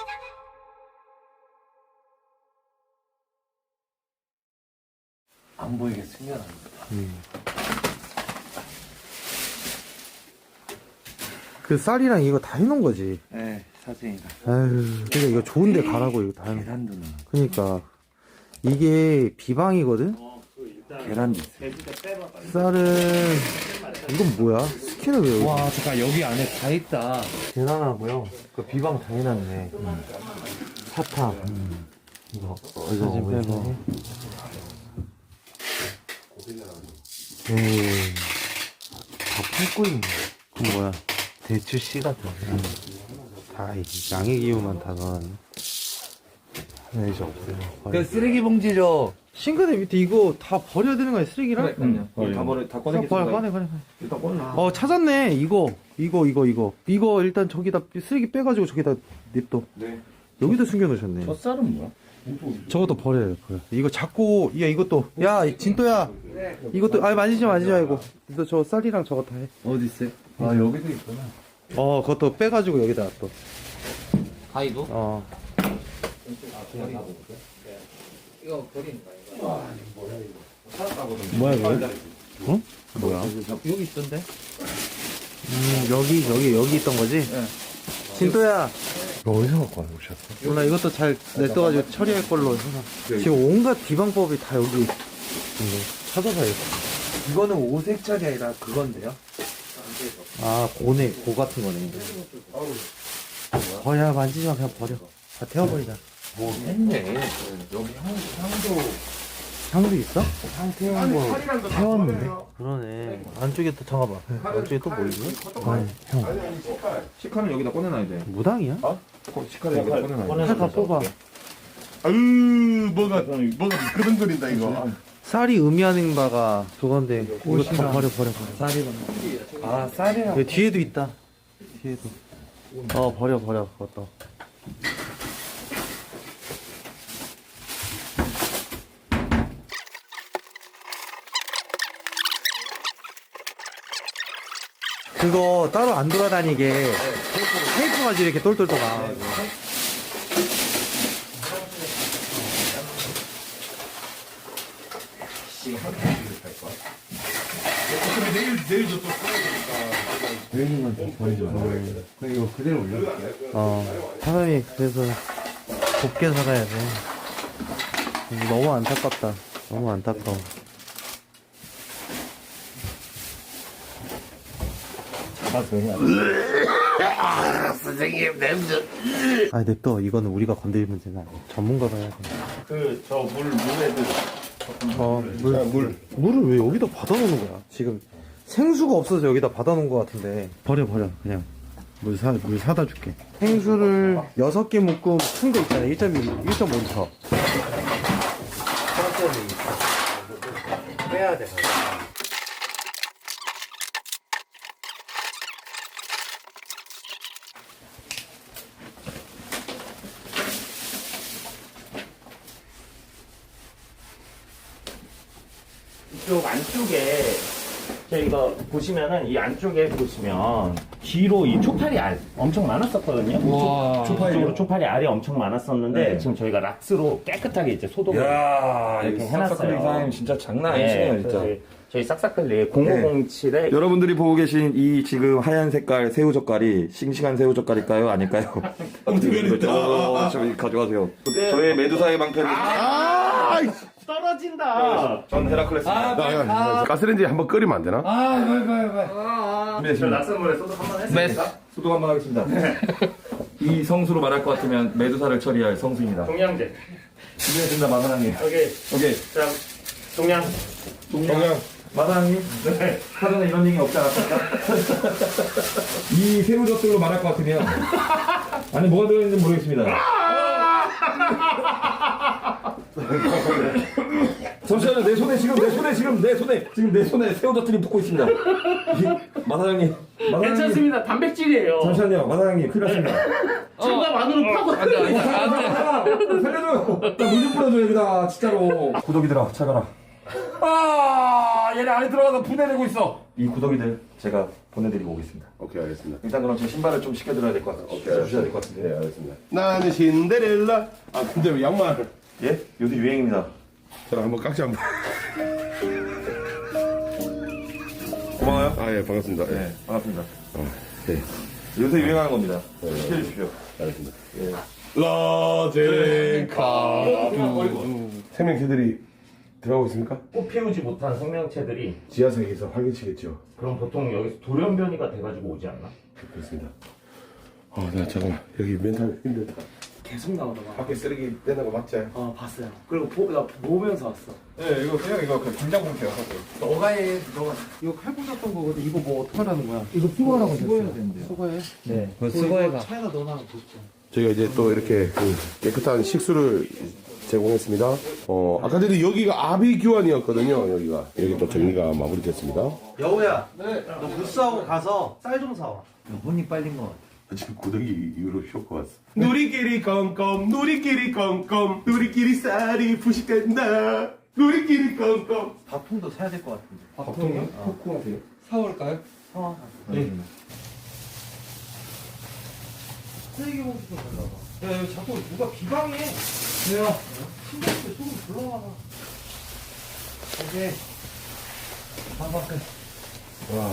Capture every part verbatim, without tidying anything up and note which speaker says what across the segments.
Speaker 1: 안 보이게 숨겨놨습니다.
Speaker 2: 음. 그 쌀이랑 이거 다 해놓은 거지.
Speaker 1: 네, 사진이다.
Speaker 2: 아유, 그러니까 이거 좋은데 가라고 이거 다 해놓은.
Speaker 1: 계란도 넣어.
Speaker 2: 그러니까 이게 비방이거든.
Speaker 1: 계란도 있어요.
Speaker 2: 쌀은 이건 뭐야? 스키는 왜 여기?
Speaker 1: 와, 잠깐 여기 안에 다 있다.
Speaker 2: 대단하고요. 그 비방 다 해놨네. 음. 사탕. 음. 이거 사진 빼고. 음. 다 팔고 있네. 그건 뭐야? 대추 씨 같은. 음. 다 양의 기호만 다 넣어놨네. 하나 이제 없어요.
Speaker 1: 그 쓰레기 봉지죠.
Speaker 2: 싱크대 밑에 이거 다 버려야 되는 거야, 쓰레기랑?
Speaker 1: 그럼요. 다 버려, 다
Speaker 2: 다
Speaker 1: 꺼내겠습니다.
Speaker 2: 버려, 꺼내, 꺼내, 꺼내.
Speaker 1: 일단 꺼내.
Speaker 2: 어, 찾았네. 이거, 이거, 이거, 이거. 이거 일단 저기다 쓰레기 빼가지고 저기다 냅둬.
Speaker 1: 네.
Speaker 2: 여기다 숨겨놓으셨네.
Speaker 1: 저 쌀은 뭐야?
Speaker 2: 저것도 버려요. 버려. 이거 자꾸, 야, 이것도. 야, 진또야. 이것도, 아, 만지지 마, 만지지 말고. 너 저 쌀이랑 저거 다 해.
Speaker 1: 어디 있어요? 아, 여기도 있구나.
Speaker 2: 어, 그것도 빼가지고 여기다 또.
Speaker 1: 가위도?
Speaker 2: 어.
Speaker 1: 이거 버리는 거야, 이거.
Speaker 2: 뭐야, 이거? 어? 뭐야?
Speaker 1: 여기 있던데?
Speaker 2: 음, 여기, 여기, 여기 있던 거지?
Speaker 1: 네.
Speaker 2: 진또야.
Speaker 3: 이거 어디서 갖고 오셨어?
Speaker 2: 몰라, 이것도 잘 냅둬가지고 처리할 걸로 해서. 지금 온갖 비방법이 다 여기 있네. 찾아봐야겠다.
Speaker 1: 이거는 오색짜리 아니라 그건데요?
Speaker 2: 아, 고네, 고 같은 거네. 어, 야, 만지지 마, 그냥 버려. 다 태워버리자.
Speaker 1: 뭐 했네. 여기 향, 향도.
Speaker 2: 향도 있어?
Speaker 1: 향 태운 거.
Speaker 2: 태웠는데? 그러네. 안쪽에 또, 잠깐만. 안쪽에 또 뭐 있니? 아니, 형.
Speaker 1: 식칼은 여기다 꺼내놔야 돼.
Speaker 2: 무당이야?
Speaker 1: 식칼을 여기다 꺼내놔야 돼.
Speaker 2: 칼 다 뽑아.
Speaker 3: 아유, 뭐가, 뭐가 그런거린다, 이거.
Speaker 2: 쌀이 의미하는 바가 그건데, 이거 다 버려, 버려, 버려.
Speaker 1: 쌀이 아, 쌀이랑.
Speaker 2: 여기 뒤에도 있다. 뒤에도. 어, 버려, 버려, 그것도. 그거 따로 안 돌아다니게 테이프 가지고 이렇게 똘똘 떠가.
Speaker 3: 어차피 내일, 내일도 또 써야 되니까.
Speaker 1: 여기만 좀 버리지 마. 그럼 이거 그대로 올려볼게요.
Speaker 2: 어, 사람이 그래서 곱게 살아야 돼. 너무 안타깝다. 너무 안타까워.
Speaker 1: 잡아서 해야 돼.
Speaker 3: 선생님, 냄새.
Speaker 2: 아니, 냅둬. 이거는 우리가 건드릴 문제는 아니야. 전문가가 해야 돼.
Speaker 3: 그, 저 물, 물에도.
Speaker 2: 어, 물, 물. 물을 왜 여기다 받아놓는 거야? 지금 생수가 없어서 여기다 받아놓은 것 같은데. 버려, 버려. 그냥. 물 사, 물 사다 줄게. 생수를 여섯 개 묶음 큰 거 있잖아. 일 점 일, 일 점 오 리터. 빼야 돼.
Speaker 4: 이쪽 안쪽에 저희가 보시면은 이 안쪽에 보시면 뒤로 이 초파리 알 엄청 많았었거든요.
Speaker 1: 와.
Speaker 4: 초파리 초파리 알이 엄청 많았었는데 지금 저희가 락스로 깨끗하게 이제 소독을
Speaker 1: 야,
Speaker 4: 이렇게
Speaker 1: 이
Speaker 4: 해놨어요.
Speaker 1: 싹싹클릭 사장님 진짜 장난
Speaker 4: 네,
Speaker 1: 아니시네요,
Speaker 4: 그래서
Speaker 1: 진짜.
Speaker 4: 저희, 저희 싹싹클릭 공오공칠에
Speaker 5: 여러분들이 보고 계신 이 지금 하얀 색깔 새우 젓갈이 싱싱한 새우 젓갈일까요? 아닐까요? 어, 저기 가져가세요. 저의 메두사의 방패를
Speaker 4: 떨어진다.
Speaker 5: 전 헤라클레스입니다.
Speaker 3: 가스레인지에 한번 끓이면 안 되나?
Speaker 1: 아, 빨리, 빨리, 빨리.
Speaker 4: 저 락스물에 소독 한번
Speaker 5: 네,
Speaker 4: 했습니다.
Speaker 5: 소독 한번 하겠습니다. 이 성수로 말할 것 같으면 메두사를 처리할 성수입니다.
Speaker 4: 동양제.
Speaker 5: 준비했습니다, 마사랑님.
Speaker 4: 오케이.
Speaker 5: 오케이.
Speaker 4: 자, 동양.
Speaker 5: 동양. 마사랑님.
Speaker 4: 네.
Speaker 5: 사전에 이런 얘기 없지 않았습니까? 이 새우 젓갈로 말할 것 같으면 안에 뭐가 들어있는지 모르겠습니다. 잠시만요. 내 손에 지금 내 손에 지금 내 손에 지금 내 손에 새우젓들이 붙고 있습니다. 마사장님, 마사장님.
Speaker 4: 괜찮습니다. 단백질이에요.
Speaker 5: 잠시만요, 마사장님. 큰일 났습니다.
Speaker 4: 참가 안으로 파고.
Speaker 5: 안 돼, 안 돼, 안 돼. 살려줘요. 나 물 좀 뿌려줘 여기다 진짜로. 구독이들아, 찾아라. 아, 얘네 안에 들어가서 분해내고 있어. 이 구더기들 제가 보내드리고 오겠습니다.
Speaker 3: 오케이, 알겠습니다.
Speaker 5: 일단 그럼 제 신발을 좀 시켜드려야 될 것 같아요.
Speaker 3: 오케이,
Speaker 5: 주셔야 될 것 같은데.
Speaker 3: 네, 알겠습니다. 나는 신데렐라. 아, 근데 왜 양말?
Speaker 5: 예? 요새 유행입니다.
Speaker 3: 저랑 한번 깍지 한번.
Speaker 5: 고마워요.
Speaker 3: 아, 예, 반갑습니다. 예.
Speaker 5: 네, 반갑습니다.
Speaker 3: 네,
Speaker 5: 요새 유행하는 겁니다. 시켜주십시오.
Speaker 3: 알겠습니다.
Speaker 5: 예.
Speaker 3: 라젠카. 생명체들이 들어가고 있습니까?
Speaker 4: 꽃 피우지 못한 생명체들이
Speaker 3: 지하석에서 활개치겠죠.
Speaker 4: 그럼 보통 여기서 돌연변이가 돼가지고 오지 않나?
Speaker 3: 그렇습니다. 아, 나 잠깐만. 여기 멘탈 힘들다.
Speaker 6: 계속 나오더만.
Speaker 3: 밖에 쓰레기 떼는 거 맞지?
Speaker 6: 어 봤어요. 그리고 보, 나 보면서 왔어.
Speaker 1: 네, 이거 그냥 이거 그 당장 봉투야.
Speaker 6: 너가 해, 너가. 이거 칼 꽂았던 거거든. 이거 뭐 어떡하라는 거야? 이거 수거하라고 수거해야 되는데. 수거해?
Speaker 2: 네.
Speaker 6: 그 수거해가. 차에다 넣어놔 뒀죠.
Speaker 3: 저희가 이제 또 이렇게 그 깨끗한 식수를 제공했습니다. 어, 아까 전에 여기가 아비규환이었거든요. 여기가. 여기 또 정리가 마무리됐습니다.
Speaker 2: 여우야. 네. 너 무스하고 가서 쌀 좀 사와. 혼이 빨린 거 같아.
Speaker 3: 지금 고등이 이후로 쇼크 왔어. 누리끼리 껌껌, 누리끼리 껌껌, 누리끼리 쌀이 부식된다. 누리끼리 껌껌.
Speaker 2: 밥통도 사야 될 것 같은데.
Speaker 3: 밥통이요? 코코하세요?
Speaker 6: 사올까요?
Speaker 2: 어.
Speaker 3: 네.
Speaker 2: 쓰레기 봉투 좀 달라봐. 야, 여기 자꾸 누가 비방해. 내가 신발도 조금 불러와봐. 오케이. 반박해.
Speaker 3: 와.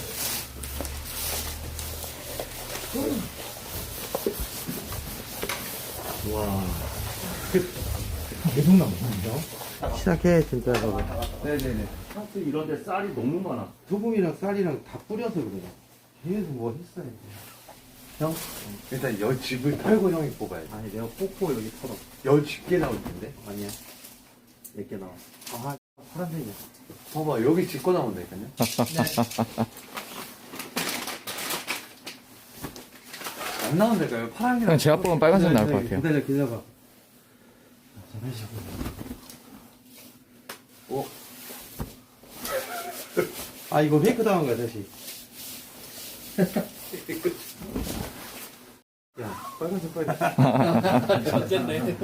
Speaker 2: 시작해, 진짜 저거.
Speaker 6: 네네네.
Speaker 4: 하트 이런데 쌀이 너무 많아.
Speaker 6: 소금이랑 쌀이랑 다 뿌려서 그래. 계속 뭐 했어야 돼. 형? 일단 여 집을 털고 형이 뽑아야 돼. 아니 내가 뽑고 여기 털어. 여 집게 나올 텐데? 아니야. 몇 개 나와. 아, 파란색이야. 봐봐, 여기 집거 나온다니까요? 안 나온다니까요? 파란색.
Speaker 2: 그냥 제가 뽑으면 빨간색 나올 것 같아요.
Speaker 6: 기다려, 기다려봐. 잠시만. 어? 아, 이거 페이크 당한 거야, 다시. 야, 빨간색 빨리. 어쨌네.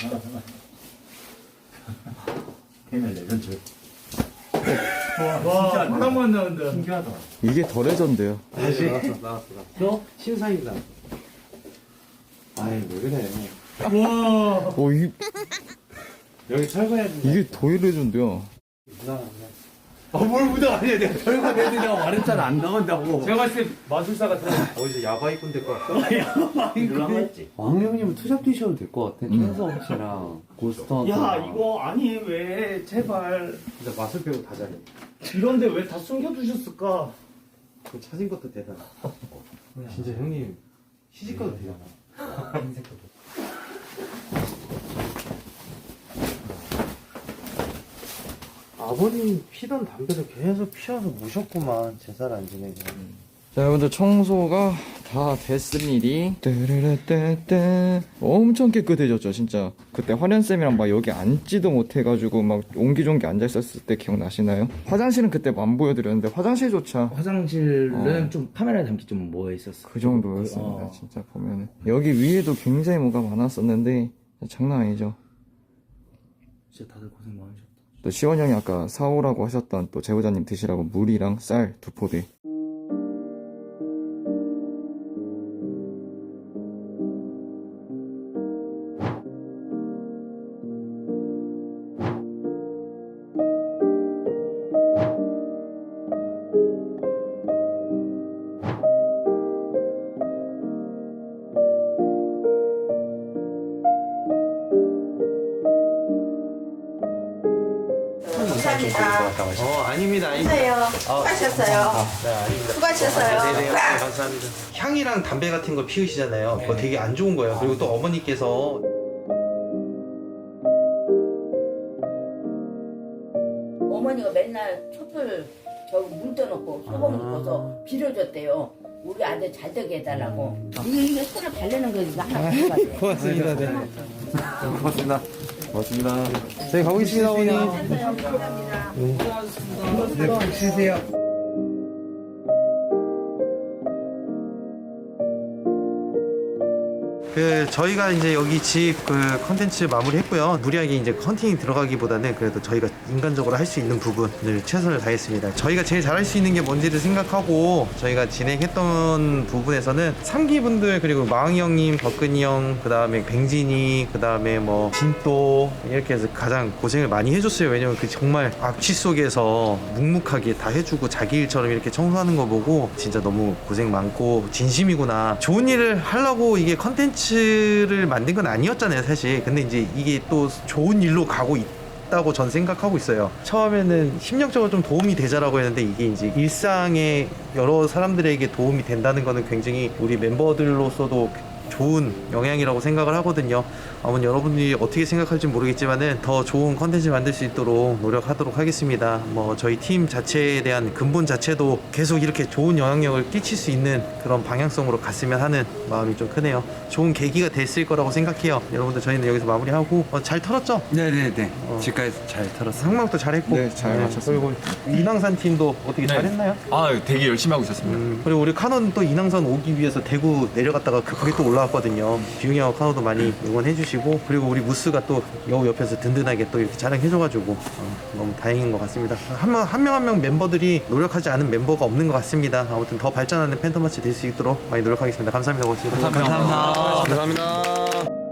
Speaker 4: 와, 하나만 나온다.
Speaker 6: 신기하다.
Speaker 2: 이게 더 레전드요.
Speaker 6: 다시. 나왔어, 나왔어, 나왔어. 너? 신사임당. 아이, 왜 그래.
Speaker 2: 오, 이,
Speaker 6: 여기 철거해야지.
Speaker 2: 이게 더 레전드야.
Speaker 6: 무당 아니야. 아, 뭘 무당 아니야. 내가 철거해드리라고 말했잖아. 안 나온다고.
Speaker 4: 제가 봤을 때 마술사 같은
Speaker 6: 어디서 야바이꾼 될 것 같아.
Speaker 4: 이런 거 했지.
Speaker 6: 왕형님은 투잡 뛰셔도 될 것 같아. 캔서 씨랑 고스턴.
Speaker 4: 야, 이거 아니 왜 제발
Speaker 6: 진짜 맛을 배우고 다 잘해.
Speaker 4: 이런데 왜 다 숨겨두셨을까?
Speaker 6: 그 찾은 것도 대단해. 진짜 형님 시집가도 되잖아. 인생가도. 아버님 피던 담배를 계속 피워서 무셨구만. 제살 안 지내고.
Speaker 2: 자, 여러분들 청소가 다 됐습니다. 따라라따따. 엄청 깨끗해졌죠, 진짜. 그때 화련쌤이랑 막 여기 앉지도 못해가지고 막 옹기종기 앉아있었을 때 기억나시나요? 화장실은 그때 안 보여드렸는데 화장실조차
Speaker 7: 화장실은
Speaker 2: 어.
Speaker 7: 좀 카메라에 담기 좀 뭐가 있었어.
Speaker 2: 그 정도였습니다.
Speaker 7: 어.
Speaker 2: 진짜 보면은. 여기 위에도 굉장히 뭐가 많았었는데 장난 아니죠.
Speaker 7: 진짜 다들 고생 많으셨다.
Speaker 2: 또 시원 형이 아까 사오라고 하셨던 또 제보자님 드시라고 물이랑 쌀 두 포대.
Speaker 8: 감사합니다.
Speaker 6: 어, 아닙니다. 아닙니다.
Speaker 8: 하세요. 수고하셨어요.
Speaker 6: 네, 아닙니다.
Speaker 8: 수고하셨어요.
Speaker 6: 네네, 네, 감사합니다. 향이랑 담배 같은 거 피우시잖아요. 그거 되게 안 좋은 거예요. 그리고 또 어머니께서
Speaker 8: 어머니가 맨날 촛불 저기 문 떠놓고 소금 넣어서 빌어줬대요. 우리 아들 잘 되게 해달라고. 이게 이게 손을 바르는 거 이거 하나 가져가세요.
Speaker 2: 고맙습니다. 네. 고맙습니다. 고맙습니다. 저희 가보겠습니다, 어머니.
Speaker 8: 하세요. 감사합니다.
Speaker 2: 네, 쉬세요. 그 저희가 이제 여기 집 그 컨텐츠 마무리했고요. 무리하게 이제 헌팅이 들어가기보다는 그래도 저희가 인간적으로 할 수 있는 부분을 최선을 다했습니다. 저희가 제일 잘할 수 있는 게 뭔지를 생각하고 저희가 진행했던 부분에서는 삼기분들 그리고 마왕이 형님, 덕근이 형, 그 다음에 뱅진이, 그 다음에 뭐 진또 이렇게 해서 가장 고생을 많이 해줬어요. 왜냐면 그 정말 악취 속에서 묵묵하게 다 해주고 자기 일처럼 이렇게 청소하는 거 보고 진짜 너무 고생 많고 진심이구나. 좋은 일을 하려고 이게 컨텐츠를 만든 건 아니었잖아요, 사실. 근데 이제 이게 또 좋은 일로 가고 있다고 전 생각하고 있어요. 처음에는 심리적으로 좀 도움이 되자라고 했는데 이게 이제 일상에 여러 사람들에게 도움이 된다는 거는 굉장히 우리 멤버들로서도 좋은 영향이라고 생각을 하거든요. 아무튼 여러분들이 어떻게 생각할지 모르겠지만은 더 좋은 컨텐츠 만들 수 있도록 노력하도록 하겠습니다. 뭐 저희 팀 자체에 대한 근본 자체도 계속 이렇게 좋은 영향력을 끼칠 수 있는 그런 방향성으로 갔으면 하는 마음이 좀 크네요. 좋은 계기가 됐을 거라고 생각해요. 여러분들 저희는 여기서 마무리하고 어, 잘 털었죠?
Speaker 6: 네네네.
Speaker 2: 어.
Speaker 6: 집까지 잘 털었어.
Speaker 2: 상망도 잘했고
Speaker 1: 네, 잘 마쳤습니다.
Speaker 2: 그리고 인왕산 팀도 어떻게 잘했나요?
Speaker 1: 아, 되게 열심히 하고 있었습니다.
Speaker 2: 음, 그리고 우리 카논 또 인왕산 오기 위해서 대구 내려갔다가 그- 그게 또 올라왔거든요. 비웅이 형 카논도 많이 응원해 주시고 그리고 우리 무스가 또 여우 옆에서 든든하게 또 이렇게 자랑해 줘가지고 어, 너무 다행인 것 같습니다. 한 명 한 명 한 명 멤버들이 노력하지 않은 멤버가 없는 것 같습니다. 아무튼 더 발전하는 팬텀마치 될 수 있도록 많이 노력하겠습니다. 감사합니다. 고맙습니다.
Speaker 6: 감사합니다.
Speaker 3: 감사합니다.